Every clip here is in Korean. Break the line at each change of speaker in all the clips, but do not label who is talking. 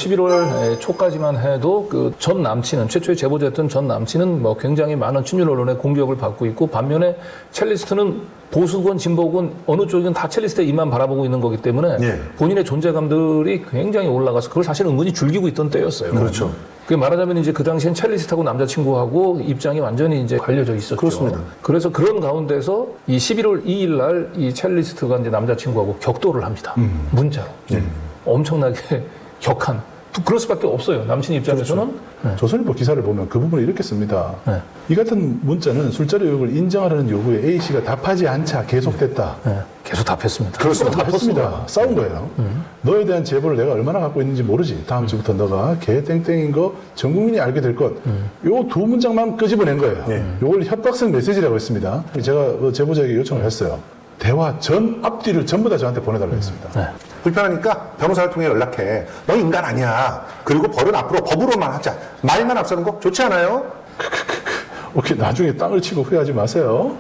11월 초까지만 해도 그 전 남친은 최초의 제보자였던 전 남친은 뭐 굉장히 많은 친윤 언론의 공격을 받고 있고 반면에 첼리스트는 보수건 진보건 어느 쪽이든 다 첼리스트의 입만 바라보고 있는 거기 때문에 본인의 존재감들이 굉장히 올라가서 그걸 사실 은근히 즐기고 있던 때였어요.
그렇죠.
그 말하자면 이제 그 당시엔 첼리스트하고 남자친구하고 입장이 완전히 이제 갈려져 있었죠.
그렇습니다.
그래서 그런 가운데서 이 11월 2일 날 이 첼리스트가 이제 남자친구하고 격돌을 합니다. 문자로. 엄청나게 격한. 그럴 수밖에 없어요. 남친 입장에서는.
그렇죠.
네.
조선일보 기사를 보면 그 부분을 이렇게 씁니다.
네.
이 같은 문자는 술자리 의혹을 인정하라는 요구에 A씨가 답하지 않자 계속됐다.
네. 계속 답했습니다.
그렇습니다. 답했습니다. 싸운 거예요. 너에 대한 제보를 내가 얼마나 갖고 있는지 모르지. 다음 주부터 너가 개 땡땡인 거 전 국민이 알게 될 것. 요 두 문장만 끄집어낸 거예요. 요걸 협박성 메시지라고 했습니다. 제가 그 제보자에게 요청을 했어요. 대화 전 앞뒤를 전부 다 저한테 보내달라고 했습니다.
네.
불편하니까 변호사를 통해 연락해. 너 인간 아니야. 그리고 벌은 앞으로 법으로만 하자. 말만 앞서는 거 좋지 않아요?
오케이, 나중에 땅을 치고 후회하지 마세요.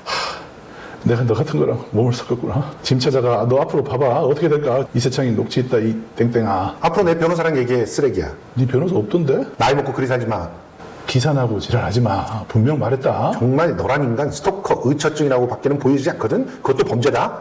내가 너 같은 거랑 몸을 섞었구나. 짐 찾아가. 너 앞으로 봐봐. 어떻게 될까? 이세창이 녹취 있다, 이 땡땡아.
앞으로 내 변호사랑 얘기해. 쓰레기야.
네 변호사 없던데?
나이 먹고 그리 살지 마.
기사나고 지랄하지 마. 분명 말했다.
정말 너란 인간 스토커 의처증이라고 밖에는 보이지 않거든. 그것도 범죄다.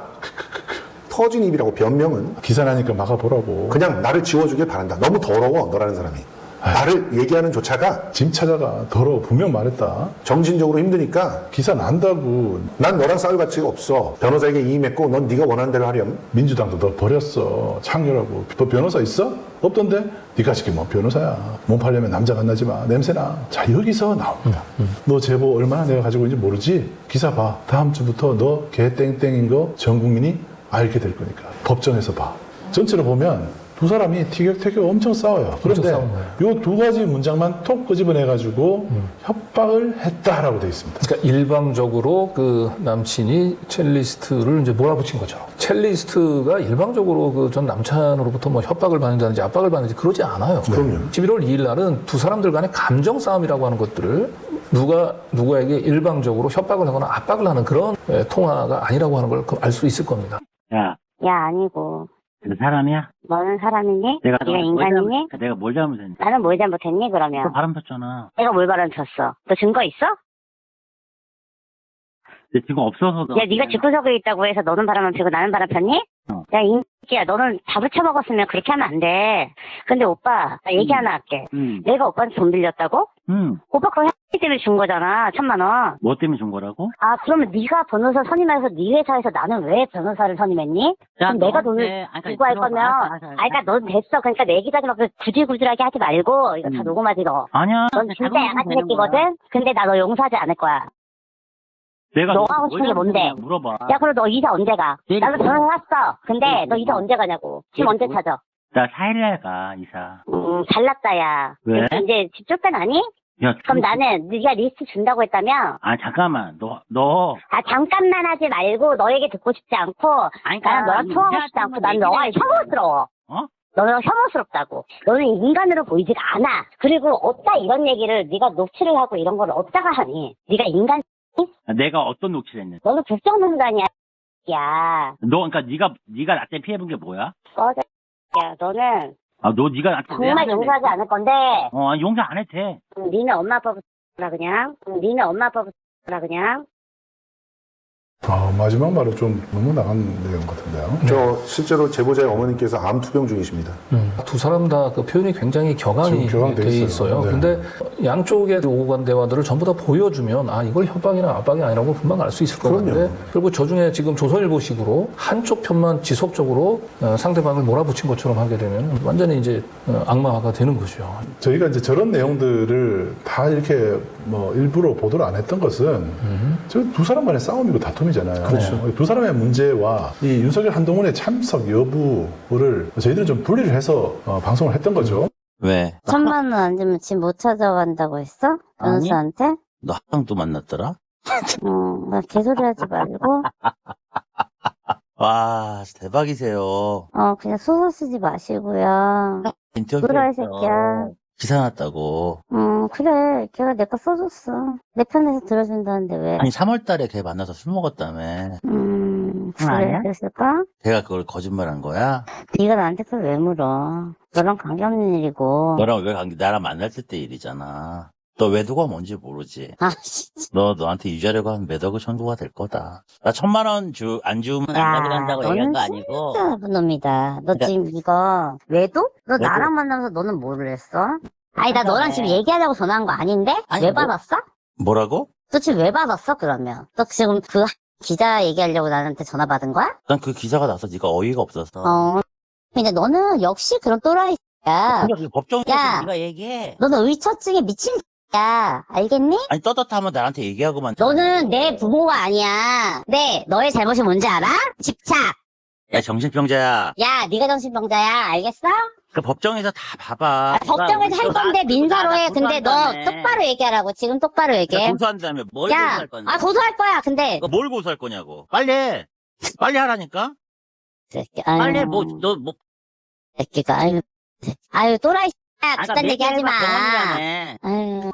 터진 입이라고 변명은
기사나니까 막아보라고.
그냥 나를 지워주길 바란다. 너무 더러워 너라는 사람이. 나를 얘기하는 조차가
짐 찾아가. 더러워. 분명 말했다.
정신적으로 힘드니까
기사 난다고.
난 너랑 싸울 가치가 없어. 변호사에게 이임했고 넌 네가 원하는 대로 하렴.
민주당도 너 버렸어. 창렬하고. 너 변호사 있어? 없던데? 네가 지금 뭐 변호사야. 몸 팔려면 남자가 나지 마. 냄새나. 자, 여기서 나옵니다. 너 제보 얼마나 내가 가지고 있는지 모르지? 기사 봐. 다음 주부터 너 개 땡땡인 거 전 국민이 알게 될 거니까. 법정에서 봐. 전체로 보면 두 사람이 티격태격 엄청 싸워요. 그런데 요 두 가지 문장만 톡 끄집어내가지고 협박을 했다라고 돼 있습니다.
그러니까 일방적으로 그 남친이 첼리스트를 이제 몰아붙인 거죠. 첼리스트가 일방적으로 그 전 남친으로부터 뭐 협박을 받는다든지 압박을 받는지 그러지 않아요.
그럼요.
11월 2일 날은 두 사람들 간의 감정 싸움이라고 하는 것들을 누가 누구에게 일방적으로 협박을 하거나 압박을 하는 그런 통화가 아니라고 하는 걸 알 수 있을 겁니다.
야,
야, 아니고.
너 사람이야?
너는 사람이니?
내가
네가 인간이니?
내가 뭘 잘못했니?
나는 뭘 잘못했니,
너
그러면?
바람 폈잖아.
내가 뭘 바람 폈어? 너 증거 있어?
내 지금 없어서.
야, 네가 집구석에 있다고 해서 너는 바람을 피고 나는 바람 폈니? 야, 인기야, 너는 밥을 쳐먹었으면 그렇게 하면 안 돼. 근데 오빠, 나 얘기 하나 할게. 내가 오빠한테 돈 빌렸다고? 오빠 그거 혜택 때문에 준 거잖아, 1,000만 원.
뭐 때문에 준 거라고?
아, 그러면 네가 변호사 선임해서 네 회사에서 나는 왜 변호사를 선임했니? 그럼 내가 돈을 주고 할 거면, 그러니까 넌 됐어. 그러니까 내 얘기까지 막 구질구질하게 하지 말고, 이거 다 녹음하지, 너.
아니야.
넌 진짜 양아치 새끼거든? 근데 나 너 용서하지 않을 거야.
내가
너 하고 싶은 게 뭔데?
물어봐.
야, 그럼 너 이사 언제 가? 나도 변호사 샀어. 근데 너 이사 언제 가냐고. 집 언제 찾아?
나 4일날 가, 이사.
잘났다, 야.
왜?
이제 집 쫓겨나니?
야,
그럼 나는 네가 리스트 준다고 했다며?
아, 잠깐만. 너.
아, 잠깐만 하지 말고 너에게 듣고 싶지 않고 나는 너랑 통화하고 싶지 않고 난 너가 혐오스러워.
어?
너는 혐오스럽다고. 너는 인간으로 보이지가 않아. 그리고 어디다 이런 얘기를 네가 녹취를 하고 이런 걸 어디다가 하니? 네가 인간
내가 어떤 녹취를 했는데?
너는 국정농단이야. 야.
너, 그러니까 네가 나 때문에 피해본 게 뭐야?
꺼져. 야, 너는
아, 너 네가 나한테 왜
정말
하는데?
용서하지 않을 건데
아니, 용서 안 해도 돼.
니네 엄마 아빠부터 그냥. 니네 엄마 아빠부터 그냥.
마지막 말은 좀 너무 나간 내용 같은데요.
저 실제로 제보자의 어머님께서 암 투병 중이십니다.
두 사람 다 그 표현이 굉장히 격안이
지금 격앙돼
돼
있어요.
있어요.
네.
근데 양쪽의 오고 간 대화들을 전부 다 보여주면 아 이걸 협박이나 압박이 아니라고 금방 알 수 있을 것 같은데 그리고 저중에 지금 조선일보식으로 한쪽 편만 지속적으로 상대방을 몰아붙인 것처럼 하게 되면 완전히 이제 악마화가 되는 거죠.
저희가 이제 저런 내용들을 다 이렇게 뭐 일부러 보도를 안 했던 것은 저 두 사람 간의 싸움이고 다툼이잖아요.
그렇죠.
두 사람의 문제와 이 윤석열 한동훈의 참석 여부를 저희들은 좀 분리를 해서 방송을 했던 거죠.
왜?
1,000만 원 안 주면 집 못 찾아간다고 했어? 변호사한테?
너 학당도 만났더라?
나 개소리 하지 말고,
와, 대박이세요.
그냥 소설 쓰지 마시고요.
인터뷰
그래, 이 새끼야.
기사 났다고.
그래. 걔가 내 거 써줬어. 내 편에서 들어준다는데 왜?
아니, 3월 달에 걔 만나서 술 먹었다며.
아니야?
그랬을까?
걔가 그걸 거짓말한 거야?
네가 나한테 그걸 왜 물어? 너랑 관계없는 일이고.
너랑 왜 나랑 만날 때 일이잖아. 너 외도가 뭔지 모르지.
아, 진짜.
너한테 유지하려고 하면 몇 억의 청구가 될 거다. 나 1,000만 원 안 주면 안
야,
가져간다고 얘기한
너는
거 아니고.
진짜 나쁜 놈이다. 너
그러니까-
지금 이거 외도? 너
외도.
나랑 만나면서 너는 뭐를 했어? 아니 나 너랑
그래.
지금 얘기하려고 전화한 거 아닌데?
아니,
왜
뭐-
받았어?
뭐라고?
너 지금 왜 받았어 그러면? 너 지금 그 기자 얘기하려고 나한테 전화 받은 거야?
난 그 기사가 나서 네가 어이가 없어서.
근데 너는 역시 그런 또라이야.
근데 그 법정에서
야.
네가 얘기해.
너는 의처증에 미친 야 알겠니?
아니 떳떳하면 나한테 얘기하고만.
너는 내 부모가 아니야. 네, 너의 잘못이 뭔지 알아? 집착.
야 정신병자야.
야, 네가 정신병자야. 알겠어?
그 법정에서 다 봐봐.
법정에서 할 건데 민사로 해. 근데 너 똑바로 얘기하라고. 지금 똑바로 얘기해.
고소한다며 뭘
야,
고소할 건데?
고소할 거야. 근데
뭘 고소할 거냐고. 빨리 해. 빨리 하라니까.
새끼,
빨리 해.
아유,
너 뭐.
새끼가 아유 또라이 야, 그딴 얘기하지 마.
병원이라며.
아유,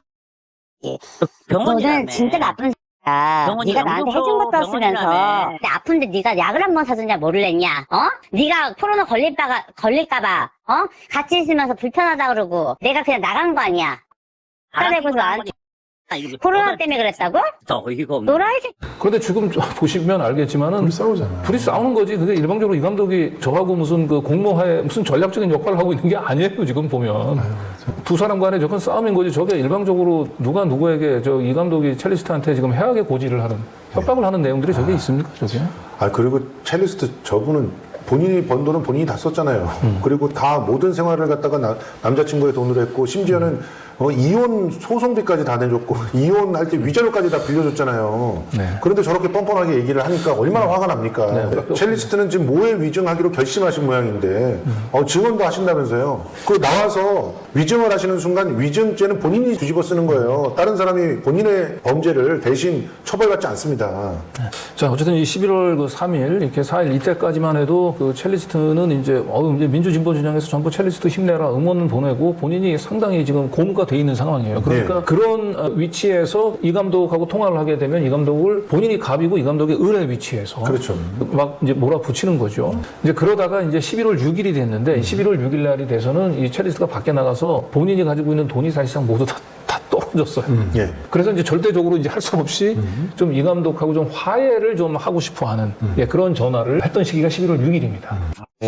병원이라며.
너는 진짜 나쁜 새끼야.
병원이라,
네가 나한테
영국서
해준 것도 쓰면서
병원이라며.
근데 아픈데 네가 약을 한 번 사줬냐 모를랬냐? 어? 네가 코로나 걸릴까봐 같이 있으면서 불편하다 그러고 내가 그냥 나간 거 아니야? 화내고서 나한테 코로나 때문에 그랬다고?
어이가 없네.
노라이 새끼.
그런데 지금 보시면 알겠지만은
둘이 싸우잖아.
둘이 싸우는 거지. 근데 일방적으로 이 감독이 저하고 무슨 그 공모하에 무슨 전략적인 역할을 하고 있는 게 아니에요. 지금 보면 두 사람 간의 저건 싸움인 거지. 저게 일방적으로 누가 누구에게 이 감독이 첼리스트한테 지금 해악의 고지를 하는 협박을 하는 내용들이 저게 있습니까? 저게?
그리고 첼리스트 저분은 본인이 번 돈은 본인이 다 썼잖아요. 그리고 다 모든 생활을 갖다가 남자친구의 돈으로 했고, 심지어는 이혼 소송비까지 다 내줬고, 이혼할 때 위자료까지 다 빌려줬잖아요.
네.
그런데 저렇게 뻔뻔하게 얘기를 하니까 얼마나 화가 납니까?
네.
첼리스트는 지금 모해 위증하기로 결심하신 모양인데, 증언도 하신다면서요. 그 나와서 위증을 하시는 순간 위증죄는 본인이 뒤집어 쓰는 거예요. 다른 사람이 본인의 범죄를 대신 처벌받지 않습니다.
자, 어쨌든 이 11월 그 3일, 이렇게 4일 이때까지만 해도 그 첼리스트는 이제 민주진보 진영에서 전부 첼리스트 힘내라 응원을 보내고 본인이 상당히 지금 고무가 돼 있는 상황이에요. 그러니까
네.
그런 위치에서 이 감독하고 통화를 하게 되면 이 감독을 본인이 갑이고 이 감독의 을의 위치에서
그렇죠.
막 이제 몰아붙이는 거죠. 이제 그러다가 이제 11월 6일이 됐는데 11월 6일 날이 돼서는 이 첼리스트가 밖에 나가서 본인이 가지고 있는 돈이 사실상 모두 다 떨어졌어요.
예.
그래서 이제 절대적으로 이제 할 수 없이 좀 이 감독하고 좀 화해를 좀 하고 싶어 하는 그런 전화를 했던 시기가 11월 6일입니다.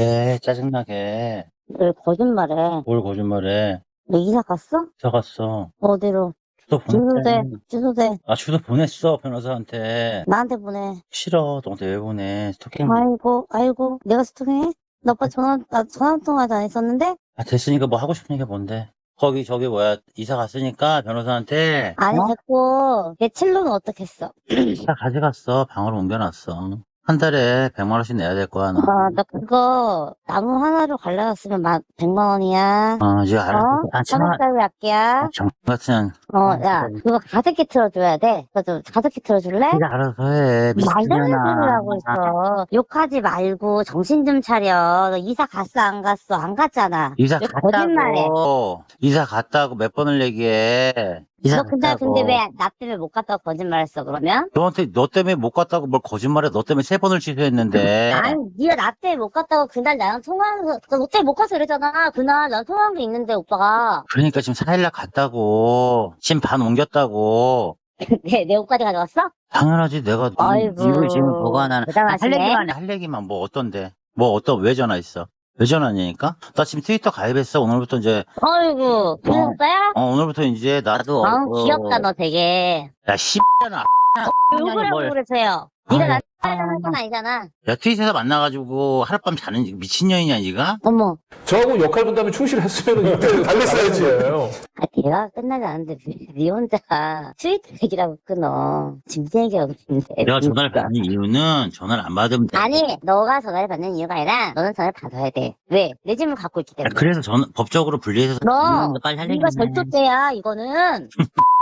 짜증나게.
왜 거짓말해?
뭘 거짓말해.
너 이사 갔어?
저 갔어.
어디로?
주소 보냈대.
주소대.
주소 보냈어, 변호사한테.
나한테 보내.
싫어. 너한테 왜 보내. 스토킹.
아이고, 내가 스토킹해? 너 오빠 전화 한 통화도 안 했었는데?
됐으니까 뭐 하고 싶은 얘기 뭔데? 이사 갔으니까 변호사한테.
아니, 됐고, 내 첼로는 어떻게 했어?
다 가져갔어. 방으로 옮겨놨어. 한 달에 100만 원씩 내야 될 거야, 너.
나 그거, 나무 하나로 갈라갔으면 100만 원이야.
이제 알았어.
사백살로 약기야.
정 같은.
야, 그거 가습기 틀어줘야 돼. 그거 가습기 틀어줄래?
네가 알아서 해.
말도 안 되는
미친년아.
소리를 하고 있어. 욕하지 말고 정신 좀 차려. 너 이사 갔어, 안 갔어? 안 갔잖아.
이사
왜
갔다고.
거짓말해?
이사 갔다고 몇 번을 얘기해. 이사
너
갔다고.
근데 왜 나 때문에 못 갔다고 거짓말했어, 그러면?
너 때문에 못 갔다고 뭘 거짓말해. 너 때문에 3번을 취소했는데.
아니, 네가 나 때문에 못 갔다고 그날 나랑 통화하면서, 너 때문에 못 가서 그랬잖아. 그날 나랑 통화한 게 있는데, 오빠가.
그러니까 지금 4일날 갔다고. 지금 반 옮겼다고.
내 옷까지 가져왔어?
당연하지. 내가
아이고.
이걸 지금 보관하는.
대단하시네.
할 얘기만 뭐 어떤데. 왜 전화했어? 왜 전화하냐니까? 나 지금 트위터 가입했어. 오늘부터 이제.
아이고, 그 오빠야?
오늘부터 이제 나도.
귀엽다, 너 되게.
야, 씨X잖아.
욕을 하고 그러세요. 네가 나한테 하는 건 아니잖아.
야, 트윗에서 만나가지고 하룻밤 자는 미친년이냐, 니가?
어머.
저하고 역할 분담이 충실했으면 이때 달랬어야지.
대화가 끝나지 않는데 네 혼자 트위터 얘기라고 끊어. 지금 무슨 얘기하고 있는데.
내가 전화를 받는 이유는 전화를 안 받으면 돼.
아니, 너가 전화를 받는 이유가 아니라 너는 전화를 받아야 돼. 왜? 내 짐을 갖고 있기 때문에.
그래서 법적으로 분리해서
너,
빨리 할
네가
얘기네.
절도죄야, 이거는.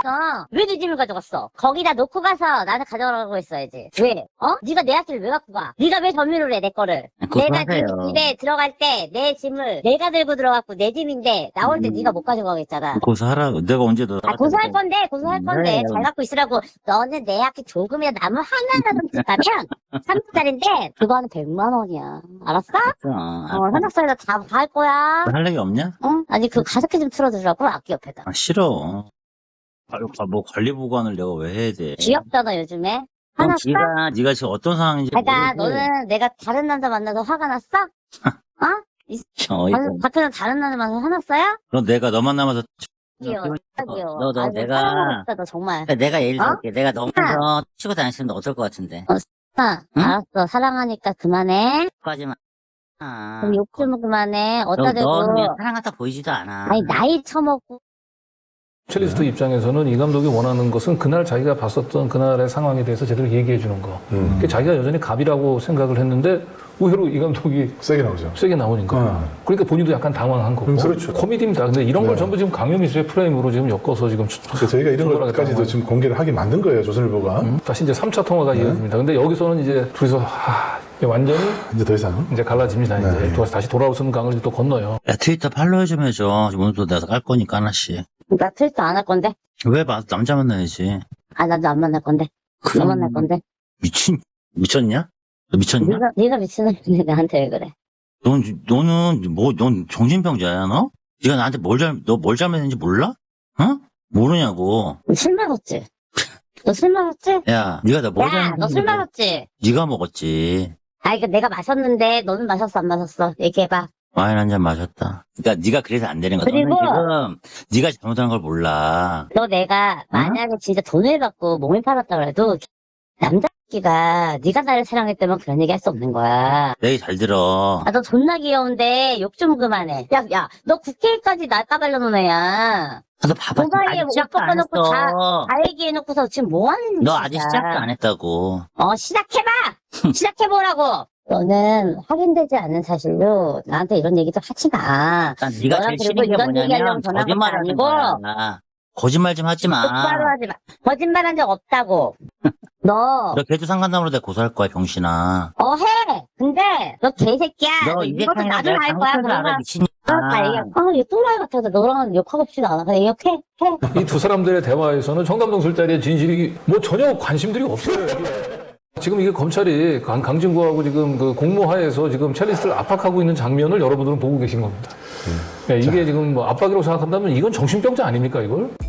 왜 내 짐을 가져갔어? 거기다 놓고 가서 나는 가져가라고 했어야지. 왜? 네가 내 앞을 왜 갖고 가? 네가 왜 점유를 해, 내 거를? 내가 집에 들어갈 때 내 짐을 내가 들고 들어갔고 내 짐인데 나올 때 네가 못 가져가겠잖아.
고소하라고. 내가 언제 너.
고소할 건데
그래.
잘 갖고 있으라고. 너는 내 앞에 조금이라도 나무 하나라도 있다면 3분짜리인데 그거는 100만 원이야. 알았어? 현악소리도 다 할 거야.
할 얘기 없냐?
아니 그 가습기 좀 틀어주라고 악기 옆에다.
아, 싫어. 뭐 관리보관을 내가 왜 해야 돼?
귀엽잖아 요즘에.
그럼
화났어?
네가 지금 어떤 상황인지
그러니까
모르고.
너는 내가 다른 남자 만나서 화가 났어? 박현은 다른 남자 만나서 화났어요?
그럼 내가 너 만나면서
귀여워.
너 내가-
사랑스럽다, 너 정말.
내가 예를 들게 내가 너 먼저 치고 다녔으면 어떨 것 같은데? 응?
알았어. 사랑하니까 그만해.
까지만.
그럼 욕 좀 그만해. 어따 대고.
너 그냥 사랑 같아 보이지도 않아.
아니 나이 처먹고.
첼리스트 입장에서는 이 감독이 원하는 것은 그날 자기가 봤었던 그날의 상황에 대해서 제대로 얘기해 주는 거. 그게 자기가 여전히 갑이라고 생각을 했는데 의외로 이 감독이
세게 나오죠.
세게 나오니까. 그러니까 본인도 약간 당황한 거고.
그렇죠.
코미디입니다. 근데 이런 걸 전부 지금 강요미수의 프레임으로 지금 엮어서 지금
그래서 저희가 이런 것까지도 지금 공개를 하게 만든 거예요, 조선일보가.
다시 이제 3차 통화가 이어집니다. 근데 여기서는 이제 둘이서 완전히
이제 더 이상.
이제 갈라집니다. 이제 다시 돌아올 수 있는 강을 또 건너요.
야, 트위터 팔로우 좀 해줘. 오늘도 내가 깔 거니까 하나씩.
나 트위터 안 할 건데.
왜 남자 만나야지?
나도 안 만날 건데. 너 만날 건데.
미쳤냐? 너 미쳤냐?
네가 미친놈인데 나한테 왜 그래?
넌 정신병자야, 너? 네가 나한테 너 뭘 잘못했는지 몰라? 모르냐고.
술 마셨지? 너 술 마셨지?
야, 네가 나 뭘
야,
잘못했는지.
너 술 마셨지?
네가 먹었지.
이거 내가 마셨는데 너는 마셨어 안 마셨어? 얘기해봐.
와인 한 잔 마셨다. 그러니까 네가 그래서 안 되는 거야.
그리고-
너는 지금 네가 잘못한 걸 몰라.
너 내가 만약에 진짜 돈을 받고 몸을 팔았다 그래도 남자끼가 네가 나를 사랑했다면 그런 얘기 할 수 없는 거야.
내 얘기 잘 들어.
너 존나 귀여운데 욕 좀 그만해. 야, 너 국회까지 날 까발려놓은 애야.
너 봐봐.
그 사이에
아직
옷
시작도 안
벗겨놓고
했어.
다 얘기해놓고서 지금 뭐 하는
너
짓이야.
아직 시작도 안 했다고.
시작해봐! 시작해보라고! 너는 확인되지 않은 사실로 나한테 이런 얘기 좀 하지 마.
난 네가
너랑
제일
그리고
싫은 게
이런 얘기하려고
뭐냐면
전화한 것도
거짓말하는
아니고
거야. 거짓말 좀 하지 마.
똑바로 하지 마. 거짓말한 적 없다고. 너
걔도 상간담으로 내가 고소할 거야, 병신아.
해! 근데 너 개새끼야.
너
이것도
이제까지
나도
내가
할 거야.
잘못한 걸 알아, 미친년.
얘 똥말 같아서 너랑은 욕하고 싶지도 않아. 그냥 욕해.
이 두 사람들의 대화에서는 청담동 술자리의 진실이 뭐 전혀 관심들이 없어요. 이게. 지금 이게 검찰이 강진구하고 지금 그 공모하에서 지금 첼리스트를 압박하고 있는 장면을 여러분들은 보고 계신 겁니다. 네, 이게 지금 뭐 압박이라고 생각한다면 이건 정신병자 아닙니까, 이걸?